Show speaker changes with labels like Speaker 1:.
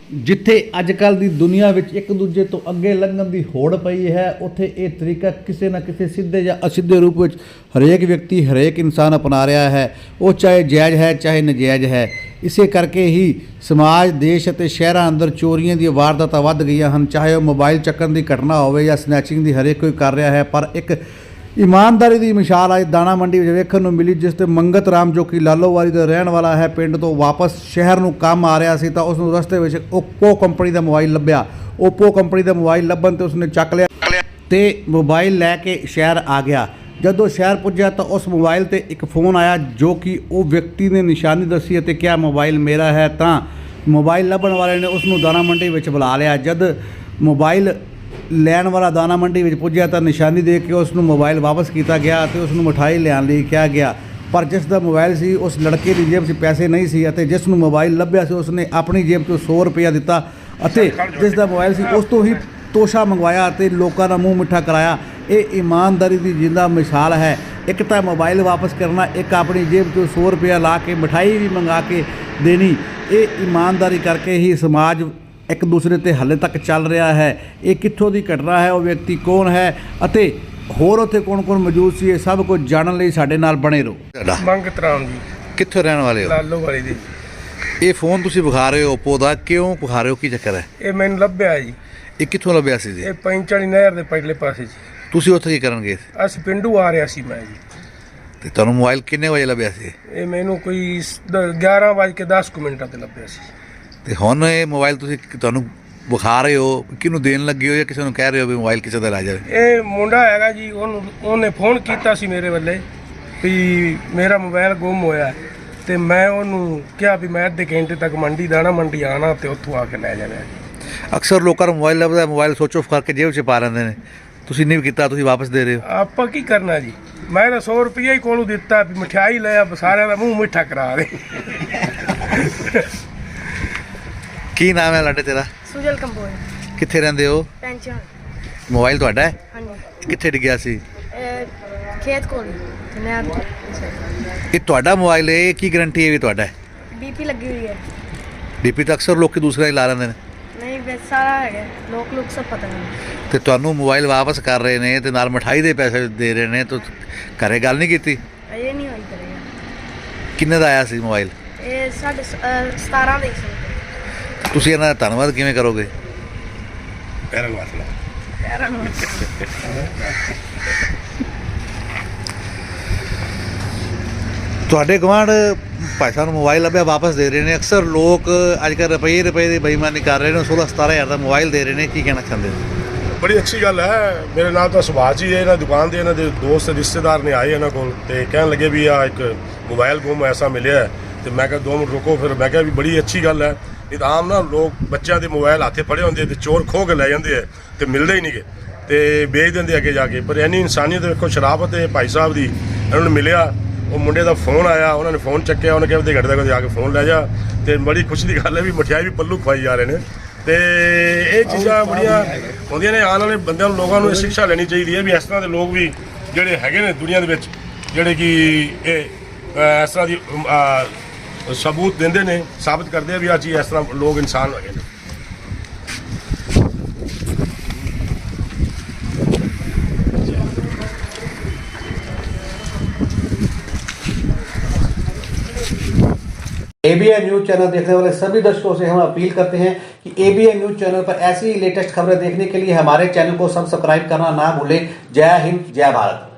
Speaker 1: ਜਿੱਥੇ ਅੱਜ ਕੱਲ੍ਹ ਦੀ ਦੁਨੀਆ ਵਿੱਚ ਇੱਕ ਦੂਜੇ ਤੋਂ ਅੱਗੇ ਲੰਘਣ ਦੀ ਹੋੜ ਪਈ ਹੈ, ਉੱਥੇ ਇਹ ਤਰੀਕਾ ਕਿਸੇ ਨਾ ਕਿਸੇ ਸਿੱਧੇ ਜਾਂ ਅਸਿੱਧੇ ਰੂਪ ਵਿੱਚ ਹਰੇਕ ਵਿਅਕਤੀ ਹਰੇਕ ਇਨਸਾਨ ਅਪਣਾ ਰਿਹਾ ਹੈ, ਉਹ ਚਾਹੇ ਜਾਇਜ਼ ਹੈ ਚਾਹੇ ਨਜਾਇਜ਼ ਹੈ। ਇਸੇ ਕਰਕੇ ਹੀ ਸਮਾਜ, ਦੇਸ਼ ਅਤੇ ਸ਼ਹਿਰਾਂ ਅੰਦਰ ਚੋਰੀਆਂ ਦੀਆਂ ਵਾਰਦਾਤਾਂ ਵੱਧ ਗਈਆਂ ਹਨ। ਚਾਹੇ ਉਹ ਮੋਬਾਈਲ ਚੱਕਣ ਦੀ ਘਟਨਾ ਹੋਵੇ ਜਾਂ ਸਨੈਚਿੰਗ ਦੀ, ਹਰੇਕ ਕੋਈ ਕਰ ਰਿਹਾ ਹੈ। ਪਰ ਇੱਕ ਇਮਾਨਦਾਰੀ ਦੀ ਮਿਸਾਲ ਅੱਜ ਦਾਣਾ ਮੰਡੀ ਵਿੱਚ ਵੇਖਣ ਨੂੰ ਮਿਲੀ, ਜਿਸ ਤੇ ਮੰਗਤ ਰਾਮ ਜੋ ਕਿ ਲਾਲੋਵਾਲੀ ਦਾ ਰਹਿਣ ਵਾਲਾ ਹੈ, ਪਿੰਡ ਤੋਂ ਵਾਪਸ ਸ਼ਹਿਰ ਨੂੰ ਕੰਮ ਆ ਰਿਹਾ ਸੀ ਤਾਂ ਉਸ ਨੂੰ ਰਸਤੇ ਵਿੱਚ ਓਪੋ ਕੰਪਨੀ ਦਾ ਮੋਬਾਈਲ ਲੱਭਿਆ। ਓਪੋ ਕੰਪਨੀ ਦਾ ਮੋਬਾਈਲ ਲੱਭਣ ਤੇ ਉਸਨੇ ਚੱਕ ਲਿਆ ਤੇ ਮੋਬਾਈਲ ਲੈ ਕੇ ਸ਼ਹਿਰ ਆ ਗਿਆ। ਜਦੋਂ ਸ਼ਹਿਰ ਪੁੱਜਿਆ ਤਾਂ ਉਸ ਮੋਬਾਈਲ ਤੇ ਇੱਕ ਫ਼ੋਨ ਆਇਆ ਜੋ ਕਿ ਉਹ ਵਿਅਕਤੀ ਨੇ ਨਿਸ਼ਾਨੀ ਦੱਸੀ ਅਤੇ ਕਿਹਾ ਮੋਬਾਈਲ ਮੇਰਾ ਹੈ। ਤਾਂ ਮੋਬਾਈਲ ਲੱਭਣ ਵਾਲੇ ਨੇ ਉਸ ਨੂੰ ਦਾਣਾ ਮੰਡੀ ਵਿੱਚ ਬੁਲਾ ਲਿਆ। ਜਦ ਮੋਬਾਈਲ ਲੈਣ ਵਾਲਾ ਦਾਣਾ ਮੰਡੀ ਵਿੱਚ ਪੁੱਜਿਆ ਤਾਂ ਨਿਸ਼ਾਨੀ ਦੇ ਕੇ ਉਸ ਨੂੰ ਮੋਬਾਈਲ ਵਾਪਸ ਕੀਤਾ ਗਿਆ ਅਤੇ ਉਸ ਨੂੰ ਮਿਠਾਈ ਲਿਆਉਣ ਲਈ ਕਿਹਾ ਗਿਆ। ਪਰ ਜਿਸ ਦਾ ਮੋਬਾਈਲ ਸੀ ਉਸ ਲੜਕੇ ਦੀ ਜੇਬ 'ਚ ਪੈਸੇ ਨਹੀਂ ਸੀ ਅਤੇ ਜਿਸ ਨੂੰ ਮੋਬਾਈਲ ਲੱਭਿਆ ਸੀ ਉਸਨੇ ਆਪਣੀ ਜੇਬ 'ਚੋਂ 100 ਰੁਪਇਆ ਦਿੱਤਾ ਅਤੇ ਜਿਸ ਦਾ ਮੋਬਾਈਲ ਸੀ ਉਸ ਤੋਂ ਹੀ ਤੋਸ਼ਾ ਮੰਗਵਾਇਆ ਅਤੇ ਲੋਕਾਂ ਦਾ ਮੂੰਹ ਮਿੱਠਾ ਕਰਾਇਆ। ਇਹ ਇਮਾਨਦਾਰੀ ਦੀ ਜਿੰਦਾ ਮਿਸਾਲ ਹੈ। ਇੱਕ ਤਾਂ ਮੋਬਾਈਲ ਵਾਪਸ ਕਰਨਾ, ਇੱਕ ਆਪਣੀ ਜੇਬ 'ਚੋਂ 100 ਰੁਪਇਆ ਲਾ ਕੇ ਮਿਠਾਈ ਵੀ ਮੰਗਾ ਕੇ ਦੇਣੀ। ਇਹ ਇਮਾਨਦਾਰੀ ਕਰਕੇ ਹੀ ਸਮਾਜ ਇੱਕ ਦੂਸਰੇ 'ਤੇ ਹਾਲੇ ਤੱਕ ਚੱਲ ਰਿਹਾ ਹੈ। ਇਹ ਕਿੱਥੋਂ ਦੀ ਘਟਨਾ ਹੈ, ਉਹ ਵਿਅਕਤੀ ਕੌਣ ਹੈ ਅਤੇ ਹੋਰ ਉੱਥੇ ਕੌਣ ਮੌਜੂਦ ਸੀ, ਇਹ ਸਭ ਕੁਝ ਜਾਣਨ ਲਈ ਸਾਡੇ ਨਾਲ ਬਣੇ ਰਹੋ।
Speaker 2: ਮੰਗਤ ਰਾਮ ਜੀ,
Speaker 1: ਕਿੱਥੋਂ ਰਹਿਣ ਵਾਲੇ ਹੋ?
Speaker 2: ਲਾਲੋਵਾਲੀ ਦੀ।
Speaker 1: ਇਹ ਫੋਨ ਤੁਸੀਂ ਵਿਖਾ ਰਹੇ ਹੋ ਓਪੋ ਦਾ, ਕਿਉਂ ਵਿਖਾ ਰਹੇ ਹੋ, ਕੀ ਚੱਕਰ ਹੈ?
Speaker 2: ਇਹ ਮੈਨੂੰ ਲੱਭਿਆ ਜੀ।
Speaker 1: ਇਹ ਕਿੱਥੋਂ ਲੱਭਿਆ ਸੀ ਜੀ?
Speaker 2: ਇਹ ਪੈਂਚਾਲੀ ਨਹਿਰ ਦੇ ਪਹਿਲੇ ਪਾਸੇ ਜੀ।
Speaker 1: ਤੁਸੀਂ ਉੱਥੇ ਕੀ ਕਰਨ ਗਏ ਸੀ?
Speaker 2: ਅਸੀਂ ਪਿੰਡੂ ਆ ਰਿਹਾ ਸੀ ਮੈਂ ਜੀ।
Speaker 1: ਤੇ ਤੁਹਾਨੂੰ ਮੋਬਾਈਲ ਕਿੰਨੇ ਵਜੇ ਲੱਭਿਆ ਸੀ?
Speaker 2: ਇਹ ਮੈਨੂੰ ਕੋਈ 11:10 ਤੇ ਲੱਭਿਆ ਸੀ।
Speaker 1: ਤੇ ਹੁਣ ਇਹ ਮੋਬਾਈਲ ਤੁਸੀਂ ਤੁਹਾਨੂੰ ਵਿਖਾ ਰਹੇ ਹੋ, ਕਿਹਨੂੰ ਦੇਣ ਲੱਗੇ ਹੋ ਜਾਂ ਕਿਸੇ ਨੂੰ ਕਹਿ ਰਹੇ ਹੋ ਵੀ ਮੋਬਾਈਲ ਕਿਸੇ ਦਾ ਲੈ ਜਾਵੇ?
Speaker 2: ਇਹ ਮੁੰਡਾ ਹੈਗਾ ਜੀ, ਉਹਨੇ ਫੋਨ ਕੀਤਾ ਸੀ ਮੇਰੇ ਵੱਲੇ ਵੀ ਮੇਰਾ ਮੋਬਾਈਲ ਗੁੰਮ ਹੋਇਆ ਤੇ ਮੈਂ ਉਹਨੂੰ ਕਿਹਾ ਵੀ ਮੈਂ ਅੱਧੇ ਘੰਟੇ ਤੱਕ ਦਾਣਾ ਮੰਡੀ ਆਣਾ ਤੇ ਉੱਥੋਂ ਆ ਕੇ ਲੈ ਜਾਣਾ।
Speaker 1: ਅਕਸਰ ਲੋਕਾਂ ਨੂੰ ਮੋਬਾਈਲ ਲੱਭਦਾ, ਮੋਬਾਈਲ ਸੋਚ ਆਫ ਕਰਕੇ ਜੇਬ 'ਚ ਪਾ ਲੈਂਦੇ ਨੇ। ਤੁਸੀਂ ਨਹੀਂ ਕੀਤਾ, ਤੁਸੀਂ ਵਾਪਸ ਦੇ ਰਹੇ ਹੋ।
Speaker 2: ਆਪਾਂ ਕੀ ਕਰਨਾ ਜੀ, ਮੈਂ ਤਾਂ 100 ਰੁਪਈਆ ਹੀ ਕੋਲੋਂ ਦਿੱਤਾ ਵੀ ਮਠਿਆਈ ਲੈ ਆ, ਸਾਰਿਆਂ ਦਾ ਮੂੰਹ ਮਿੱਠਾ ਕਰਾ ਦੇ।
Speaker 1: ਕੀ ਨਾਮ ਹੈ ਲਾਡੇ ਤੇਰਾ?
Speaker 3: ਸੁਜਲ ਕੰਬੋਜ।
Speaker 1: ਕਿੱਥੇ ਰਹਿੰਦੇ ਹੋ?
Speaker 3: ਪੈਂਚਨ।
Speaker 1: ਮੋਬਾਈਲ ਤੁਹਾਡਾ ਹੈ?
Speaker 3: ਹਾਂਜੀ।
Speaker 1: ਕਿੱਥੇ ਡਿੱਗਿਆ ਸੀ?
Speaker 3: ਖੇਤ ਕੋਲ ਨਹਿਰ।
Speaker 1: ਇਹ ਤੁਹਾਡਾ ਮੋਬਾਈਲ ਹੈ, ਕੀ ਗਰੰਟੀ ਹੈ ਵੀ ਤੁਹਾਡਾ ਹੈ?
Speaker 3: ਬੀਪੀ ਲੱਗੀ ਹੋਈ ਹੈ।
Speaker 1: ਡੀਪੀ ਤਾਂ ਅਕਸਰ ਲੋਕ ਦੂਸਰਾ ਹੀ ਲਾ ਲੈਂਦੇ ਨੇ।
Speaker 3: ਨਹੀਂ ਬਸ ਸਾਰਾ ਹੈਗਾ, ਲੋਕ ਸਭ ਪਤਾ ਨਹੀਂ।
Speaker 1: ਤੇ ਤੁਹਾਨੂੰ ਮੋਬਾਈਲ ਵਾਪਸ ਕਰ ਰਹੇ ਨੇ ਤੇ ਨਾਲ ਮਠਾਈ ਦੇ ਪੈਸੇ ਦੇ ਰਹੇ ਨੇ, ਤਾਂ ਘਰੇ ਗੱਲ ਨਹੀਂ ਕੀਤੀ?
Speaker 3: ਇਹ ਨਹੀਂ ਹੋਈ ਕਰੇਗਾ।
Speaker 1: ਕਿੰਨੇ ਦਾ ਆਇਆ ਸੀ ਮੋਬਾਈਲ?
Speaker 3: ਇਹ 17 ਦੇ ਸੀ।
Speaker 1: ਤੁਸੀਂ ਇਹਨਾਂ ਦਾ ਧੰਨਵਾਦ ਕਿਵੇਂ ਕਰੋਗੇ?
Speaker 2: ਪੈਰਾਂ ਨੂੰ ਹੱਥ ਲਾ।
Speaker 3: ਪੈਰਾਂ ਨੂੰ।
Speaker 1: ਤੁਹਾਡੇ ਗੁਆਂਢ ਭਾਈ ਸਾਹਿਬ ਨੂੰ ਮੋਬਾਈਲ ਲੱਭਿਆ, ਵਾਪਸ ਦੇ ਰਹੇ ਨੇ। ਅਕਸਰ ਲੋਕ ਅੱਜ ਕੱਲ੍ਹ ਰੁਪਏ ਦੀ ਬੇਈਮਾਨੀ ਕਰ ਰਹੇ ਨੇ, 16-17 ਹਜ਼ਾਰ ਦਾ ਮੋਬਾਈਲ ਦੇ ਰਹੇ ਨੇ। ਕੀ ਕਹਿਣਾ ਚਾਹੁੰਦੇ ਹੋ?
Speaker 4: ਬੜੀ ਅੱਛੀ ਗੱਲ ਹੈ। ਮੇਰੇ ਨਾਲ ਤਾਂ ਸੁਭਾਅ ਹੀ ਹੈ। ਇਹਨਾਂ ਦੁਕਾਨ ਦੇ ਇਹਨਾਂ ਦੇ ਦੋਸਤ ਰਿਸ਼ਤੇਦਾਰ ਨੇ ਆਏ ਇਹਨਾਂ ਕੋਲ ਤੇ ਕਹਿਣ ਲੱਗੇ ਵੀ ਆ ਇੱਕ ਮੋਬਾਈਲ ਗੁੰਮ ਐਸਾ ਮਿਲਿਆ ਤੇ ਮੈਂ ਕਿਹਾ 2 ਮਿੰਟ ਰੁਕੋ। ਫਿਰ ਮੈਂ ਕਿਹਾ ਵੀ ਬੜੀ ਅੱਛੀ ਗੱਲ ਹੈ। ਨਹੀਂ ਤਾਂ ਆਮ ਨਾ ਲੋਕ ਬੱਚਿਆਂ ਦੇ ਮੋਬਾਈਲ ਹੱਥੇ ਫੜੇ ਹੁੰਦੇ ਤੇ ਚੋਰ ਖੋਹ ਕੇ ਲੈ ਜਾਂਦੇ ਆ ਤੇ ਮਿਲਦੇ ਹੀ ਨਹੀਂਗੇ ਤੇ ਵੇਚ ਦਿੰਦੇ ਅੱਗੇ ਜਾ ਕੇ। ਪਰ ਇੰਨੀ ਇਨਸਾਨੀਅਤ ਵੇਖੋ, ਸ਼ਰਾਫਤ ਹੈ ਭਾਈ ਸਾਹਿਬ ਦੀ। ਇਹਨਾਂ ਨੂੰ ਮਿਲਿਆ, ਉਹ ਮੁੰਡੇ ਦਾ ਫੋਨ ਆਇਆ, ਉਹਨਾਂ ਨੇ ਫੋਨ ਚੱਕਿਆ, ਉਹਨੇ ਕਿਹਾ ਘੱਟ ਦਾ ਜਾ ਕੇ ਫੋਨ ਲੈ ਜਾ। ਤੇ ਬੜੀ ਖੁਸ਼ੀ ਦੀ ਗੱਲ ਹੈ ਵੀ ਮਠਿਆਈ ਵੀ ਪੱਲੂ ਖਵਾਈ ਜਾ ਰਹੇ ਨੇ। ਤੇ ਇਹ ਚੀਜ਼ਾਂ ਬੜੀਆਂ ਹੁੰਦੀਆਂ ਨੇ। ਆਉਣ ਵਾਲੇ ਬੰਦਿਆਂ ਨੂੰ, ਲੋਕਾਂ ਨੂੰ ਇਹ ਸਿੱਖਿਆ ਲੈਣੀ ਚਾਹੀਦੀ ਹੈ ਵੀ ਇਸ ਤਰ੍ਹਾਂ ਦੇ ਲੋਕ ਵੀ ਜਿਹੜੇ ਹੈਗੇ ਨੇ ਦੁਨੀਆ ਦੇ ਵਿੱਚ, ਜਿਹੜੇ ਕਿ ਇਹ ਇਸ ਤਰ੍ਹਾਂ ਦੀ ਸਬੂਤ ਦਿੰਦੇ ਨੇ, ਸਾਬਤ ਕਰਦੇ ਆ ਵੀ ਆਹ ਚੀਜ਼ ਇਸ ਤਰ੍ਹਾਂ ਲੋਕ ਇਨਸਾਨ ਹੈਗੇ ਨੇ।
Speaker 1: ABN न्यूज चैनल देखने वाले सभी दर्शकों से हम अपील करते हैं कि ABN न्यूज चैनल पर ऐसी लेटेस्ट खबरें देखने के लिए हमारे चैनल को सब्सक्राइब करना ना भूलें। जय हिंद, जय भारत।